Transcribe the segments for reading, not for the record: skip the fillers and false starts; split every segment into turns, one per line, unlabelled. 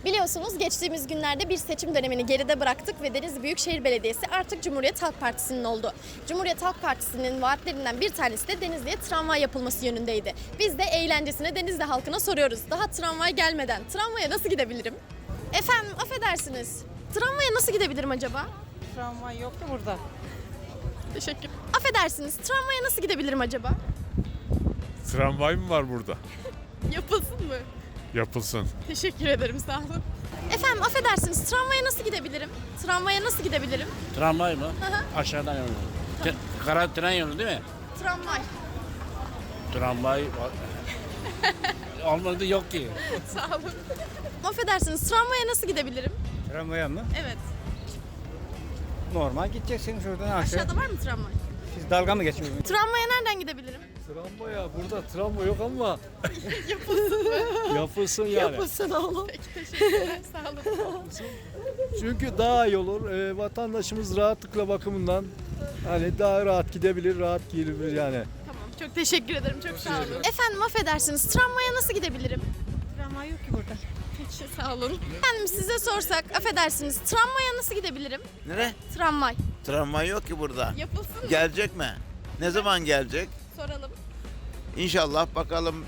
Biliyorsunuz geçtiğimiz günlerde bir seçim dönemini geride bıraktık ve Denizli Büyükşehir Belediyesi artık Cumhuriyet Halk Partisi'nin oldu. Cumhuriyet Halk Partisi'nin vaatlerinden bir tanesi de Denizli'ye tramvay yapılması yönündeydi. Biz de eğlencesine Denizli halkına soruyoruz. Daha tramvay gelmeden tramvaya nasıl gidebilirim? Efendim affedersiniz. Tramvaya nasıl gidebilirim acaba?
Tramvay yok da burada.
Teşekkür. Affedersiniz. Tramvaya nasıl gidebilirim acaba?
Tramvay mı var burada?
Yapılsın mı?
Yapılsın.
Teşekkür ederim, sağ olun. Efendim affedersiniz, tramvaya nasıl gidebilirim? Tramvaya nasıl gidebilirim?
Tramvay mı?
hı.
Aşağıdan yolu. Kara tren yolu değil mi?
Tramvay.
Tramvay olmadı yok ki.
Sağ olun. Affedersiniz, tramvaya nasıl gidebilirim?
Tramvaya mı?
Evet.
Normal gideceksin şuradan aşağı.
Aşağıda var mı tramvay?
Siz dalga mı geçiyorsunuz?
Tramvaya nereden gidebilirim?
Tramvaya burada tramvay yok ama yapılsın yani.
Yapılsın oğlum. Peki, teşekkürler, sağ olun.
Çünkü daha iyi olur. Vatandaşımız rahatlıkla bakımından hani daha rahat gidebilir, rahat gelir yani.
Tamam, çok teşekkür ederim, çok sağ olun. Efendim affedersiniz, tramvaya nasıl gidebilirim?
Tramvay yok ki burada.
Peki, sağ olun. Efendim size sorsak, affedersiniz, tramvaya nasıl gidebilirim?
Nere?
Tramvay.
Tramvay yok ki burada.
Yapılsın mı?
Gelecek mi? Ne zaman gelecek?
Soralım.
İnşallah bakalım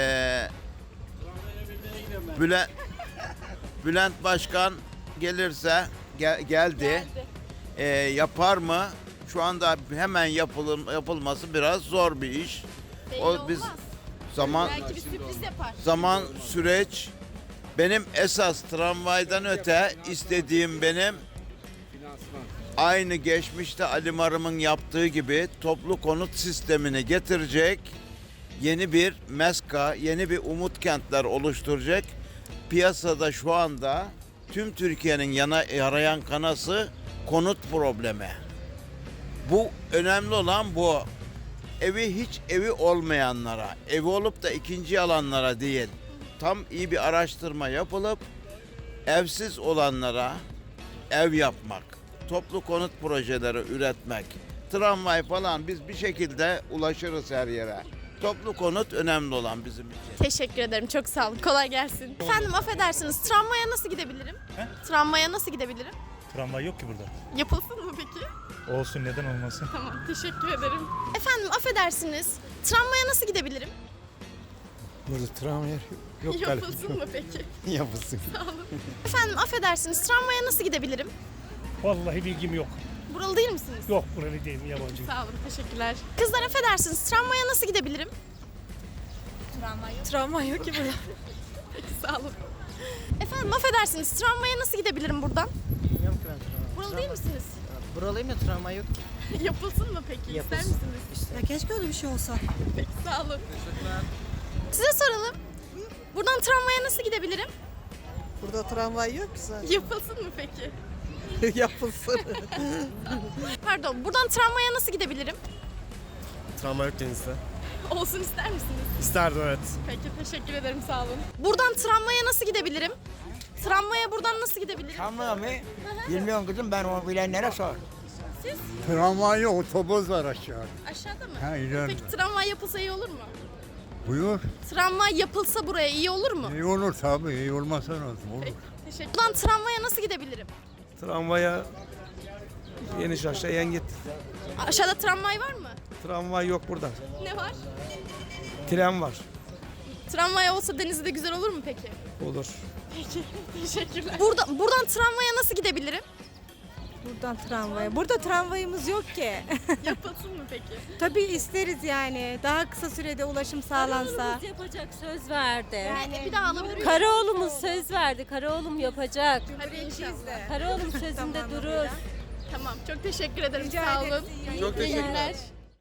Bülent, Bülent Başkan gelirse geldi. Yapar mı? Şu anda hemen yapılması biraz zor bir iş.
Belli
O biz
olmaz.
zaman
Belki bir sürpriz yapar.
zaman süreç benim esas tramvaydan öte istediğim benim aynı geçmişte Ali Marım'ın yaptığı gibi toplu konut sistemini getirecek, yeni bir MESKA, yeni bir umut kentler oluşturacak. Piyasada şu anda tüm Türkiye'nin yarayan kanası konut problemi. Bu önemli olan bu. Evi olmayanlara, evi olup da ikinci alanlara değil, tam iyi bir araştırma yapılıp evsiz olanlara ev yapmak, toplu konut projeleri üretmek, tramvay falan biz bir şekilde ulaşırız her yere. Toplu konut önemli olan bizim için.
Teşekkür ederim. Çok sağ olun. Kolay gelsin. Efendim affedersiniz. Tramvaya nasıl gidebilirim? Tramvaya nasıl gidebilirim?
Tramvay yok ki burada.
Yapılsın mı peki?
Olsun, neden olmasın?
Tamam. Teşekkür ederim. Efendim affedersiniz. Tramvaya nasıl gidebilirim?
Burada tramvay yok
Yapılsın mı peki?
Yapılsın.
Sağ olun. Efendim affedersiniz. Tramvaya nasıl gidebilirim?
Vallahi bilgim yok.
Buralı değil misiniz?
Yok, buralı değilim, yabancı.
Sağ olun. Teşekkürler. Kızlar affedersiniz. Tramvaya nasıl gidebilirim?
Tramvay yok ki burada.
Peki sağ olun. Efendim affedersiniz. Tramvaya nasıl gidebilirim buradan?
Bilmiyorum ki ben tramvay.
Buralı değil misiniz?
Buralıyım da tramvay yok ki.
Yapılsın mı peki?
Yapılsın.
İster misiniz?
Ya keşke öyle bir şey olsa.
Peki sağ olun. Size soralım. Buradan tramvaya nasıl gidebilirim?
Burada tramvay yok ki zaten.
Yapılsın mı peki?
Yapılsın.
Pardon, buradan tramvaya nasıl gidebilirim?
Tramvay yok denizde.
Olsun ister misiniz?
İsterdim, evet.
Peki, teşekkür ederim, sağ olun. Buradan tramvaya nasıl gidebilirim? Tramvaya buradan nasıl gidebilirim?
Tramvay mı? Bilmiyorum kızım, ben onu bilenlere sor.
Tramvay yok, otobüs var aşağı.
Aşağıda mı?
Ha, ileride.
Peki tramvay yapılsa iyi olur mu?
Buyur.
Tramvay yapılsa buraya iyi olur mu?
İyi olur tabii, iyi olmasa nasıl olur?
Peki, teşekkür. Buradan tramvaya nasıl gidebilirim?
Tramvaya yeni aşağıya git.
Aşağıda tramvay var mı?
Tramvay yok burada.
Ne var?
Tren var.
Tramvay olsa Denizli'de güzel olur mu peki?
Olur.
Peki, teşekkürler. Buradan tramvaya nasıl gidebilirim?
Buradan tramvaya. Burada tramvayımız yok ki.
Yapılsın mı peki?
Tabii isteriz yani. Daha kısa sürede ulaşım sağlansa.
Karaoğlumuz yapacak, söz verdi.
Yani bir daha alabilir miyim?
Karaoğlumuz söz verdi. Karaoğlum yapacak.
Hadi inşallah.
Karaoğlum sözünde durur.
Tamam, çok teşekkür ederim.
Rica
Sağ
ederiz.
olun.
İyi
Çok
İyi
teşekkürler.
günler.